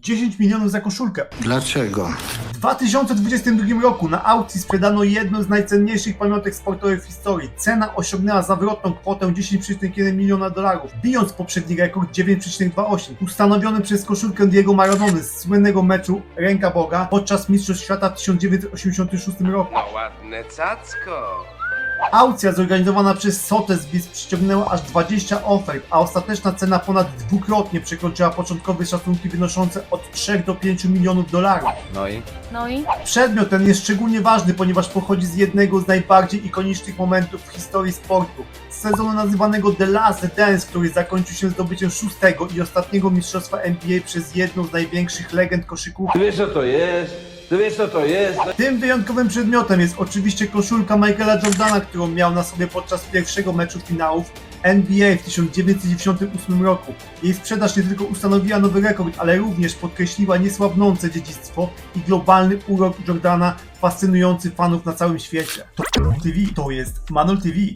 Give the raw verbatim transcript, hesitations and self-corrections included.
dziesięć milionów za koszulkę. Dlaczego? W dwa tysiące dwudziestym drugim roku na aukcji sprzedano jedną z najcenniejszych pamiątek sportowych w historii. Cena osiągnęła zawrotną kwotę dziesięć przecinek jeden miliona dolarów, bijąc poprzedni rekord dziewięć przecinek dwadzieścia osiem, ustanowiony przez koszulkę Diego Maradony z słynnego meczu Ręka Boga podczas Mistrzostw Świata w tysiąc dziewięćset osiemdziesiątym szóstym roku. No ładne cacko. Aukcja zorganizowana przez Sotheby's przyciągnęła aż dwadzieścia ofert, a ostateczna cena ponad dwukrotnie przekroczyła początkowe szacunki wynoszące od trzech do pięciu milionów dolarów. No i? No i? Przedmiot ten jest szczególnie ważny, ponieważ pochodzi z jednego z najbardziej ikonicznych momentów w historii sportu. Z sezonu nazywanego The Last Dance, który zakończył się zdobyciem szóstego i ostatniego mistrzostwa N B A przez jedną z największych legend koszykówki. Ty wiesz co to jest? Ty wiesz co to jest? Tym wyjątkowym przedmiotem jest oczywiście koszulka Michaela Jordana, którą miał na sobie podczas pierwszego meczu finałów N B A w tysiąc dziewięćset dziewięćdziesiątym ósmym roku. Jej sprzedaż nie tylko ustanowiła nowy rekord, ale również podkreśliła niesłabnące dziedzictwo i globalny urok Jordana fascynujący fanów na całym świecie. To Manol T V, to jest Manol T V.